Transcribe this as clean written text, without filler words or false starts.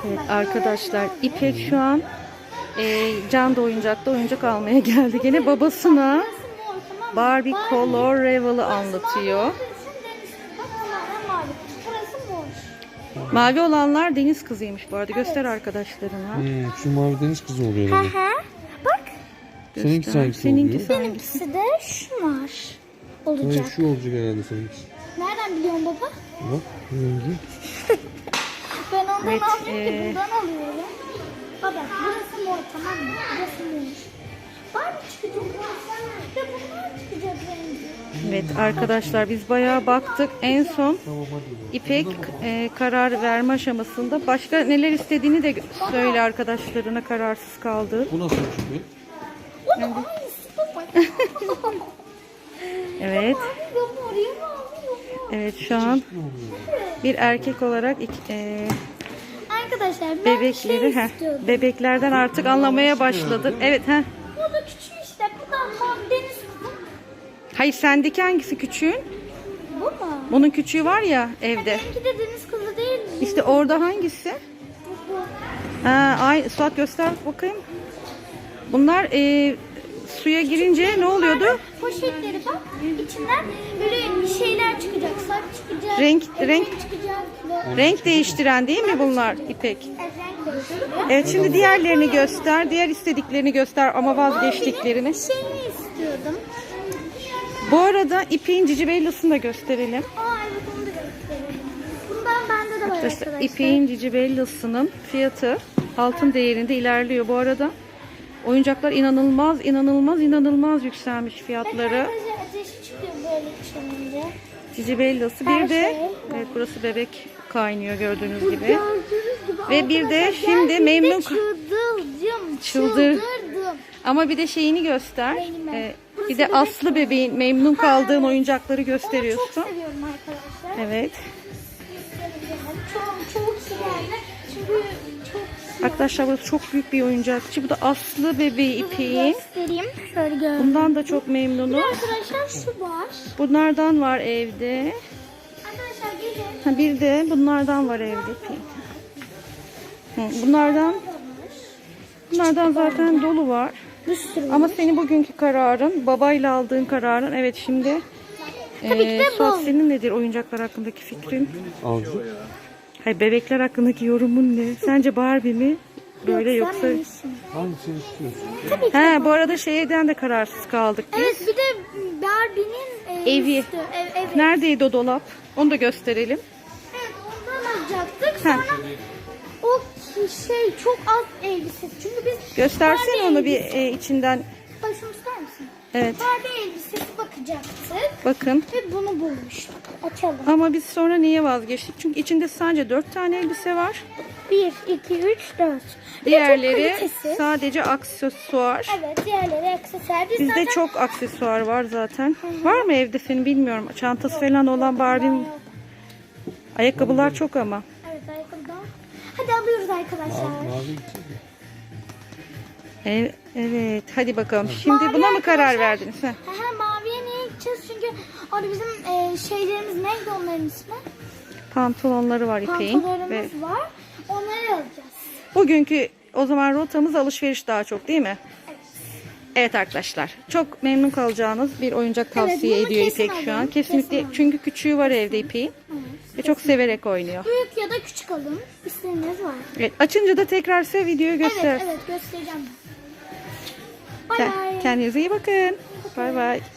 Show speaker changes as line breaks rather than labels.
Evet arkadaşlar, İpek şu an Can da oyuncakta oyuncak almaya geldi. Gene babasına Barbie Color Revel'ı anlatıyor. Mavi olanlar deniz kızıymış bu arada. Göster arkadaşlarına.
Şu mavi deniz kızı oluyor herhalde.
Bak.
Seninkisi hangisi
Seninkisi
oluyor?
hangisi?
Benimkisi de şunlar olacak.
Hayır, şu olacak herhalde seninkisi.
Nereden biliyorsun baba?
Bak rengi.
Ben ondan
Evet,
almıyorum ki buradan alıyorum. Baba burası mor, tamam mı? Burası mor. Barbie çıkacak. Ve bunlar çıkacak rengi.
Evet arkadaşlar, biz bayağı baktık. En son İpek karar verme aşamasında. Başka neler istediğini de söyle arkadaşlarına, kararsız kaldı.
Bu nasıl çıkıyor?
O da aynısı baba.
Evet.
Ben oraya mı alıyorum?
Evet, şu an bir erkek olarak
Arkadaşlar ben
bebekleri
istiyordum.
bebeklerden artık anlamaya başladı. Evet
Bu da küçük işte. Bu da deniz kızı.
Hayır, sendeki hangisi küçüğün?
Bu mu?
Bunun küçüğü var ya evde.
Benimki de deniz kızı değil mi?
İşte orada hangisi?
Bu.
Ha, ay Suat göster bakayım. Bunlar suya girince ne oluyordu?
Poşetleri bak. İçinden böyle bir şeyler çıkacak. Saç çıkacak.
Renk
çıkacak.
renk değiştiren değil mi bunlar İpek?
Evet, renk değiştiriyor.
Evet, şimdi diğerlerini göster. Diğer istediklerini göster ama vazgeçtiklerini.
Şeyini istiyordum.
Bu arada İpek'in Cicibellas'ını da gösterelim.
Evet, onu da gösterelim. Bundan bende de var arkadaşlar.
İpek'in Cicibellas'ının fiyatı altın değerinde ilerliyor. Bu arada oyuncaklar inanılmaz yükselmiş fiyatları.
Arkadaşlar ateşi çıkıyor böyle içince.
Cicibellası.
Her
Bir de
şey var.
evet, burası bebek kaynıyor gördüğünüz gibi.
Gördüğünüz gibi.
Ve bir de
Arkadaşlar
şimdi
geldiğinde
memnun
çıldırdım.
Ama bir de şeyini göster.
Neyini? Burası
Bir de
bebek
Aslı bebeğin memnun kaldığın oyuncakları gösteriyorsun.
Onu çok seviyorum arkadaşlar.
Evet.
Çok güzel. Çünkü çok
Arkadaşlar burası çok büyük bir oyuncakçı. Bu da Aslı bebeği İpek'in.
göstereyim. Şöyle gördüm.
Bundan da çok memnunum.
Arkadaşlar şu var.
Bunlardan var evde.
Arkadaşlar gelin.
Ha, bir de bunlardan var evde İpek'in. Bunlardan zaten dolu var.
Bir sürü.
Ama senin bugünkü kararın, babayla aldığın kararın. Evet, şimdi
Tabii ki de
Suat,
bu.
senin nedir oyuncaklar hakkındaki fikrin?
Avcı.
Hayır, bebekler hakkındaki yorumun ne? Sence Barbie mi? Böyle yoksa...
Hangisini istiyorsun?
He, bu arada şeyden de kararsız kaldık biz.
Evet, bir de Barbie'nin
Evi.
üstü. Evet.
Neredeydi o dolap? Onu da gösterelim.
Evet, ondan alacaktık. Sonra o şey çok az elbise. Çünkü biz
Göstersin
Barbie
onu bir
elbise-
içinden.
Başımı ister misin?
Evet.
Barbie elbisesi bakacaktık.
Bakın.
Ve bunu bulmuştuk. Açalım.
Ama biz sonra niye vazgeçtik? Çünkü içinde sadece 4 tane elbise var.
1, 2, 3, 4.
Diğerleri sadece aksesuar.
Evet, diğerleri aksesuar. Biz
Bizde
zaten
çok aksesuar var zaten. Var mı evde senin, bilmiyorum. Çantası falan olan Barbie'nin. Ayakkabılar çok ama.
Evet, ayakkabıdan. Hadi alıyoruz arkadaşlar.
Mavi gidecek mi?
Evet, hadi bakalım. Şimdi buna mı karar verdiniz? Heh.
Maviye niye gideceğiz? Çünkü orada bizim şeylerimiz neydi, onların ismi?
Pantolonları var İpek'in.
Pantolonlarımız
Ve
var. Onları alacağız.
bugünkü o zaman rotamız alışveriş daha çok, değil mi? Evet arkadaşlar, çok memnun kalacağınız bir oyuncak tavsiye
bunu
ediyor
kesin
İpek şu an.
alın,
Kesinlikle,
kesin alın.
çünkü küçüğü var evde İpek'in. Ve çok severek oynuyor.
Büyük ya da küçük alın. İsteğiniz var.
Evet, açınca da tekrar size videoyu göster.
Evet, göstereceğim. Bay bay.
Kendinize iyi bakın. Bay bay.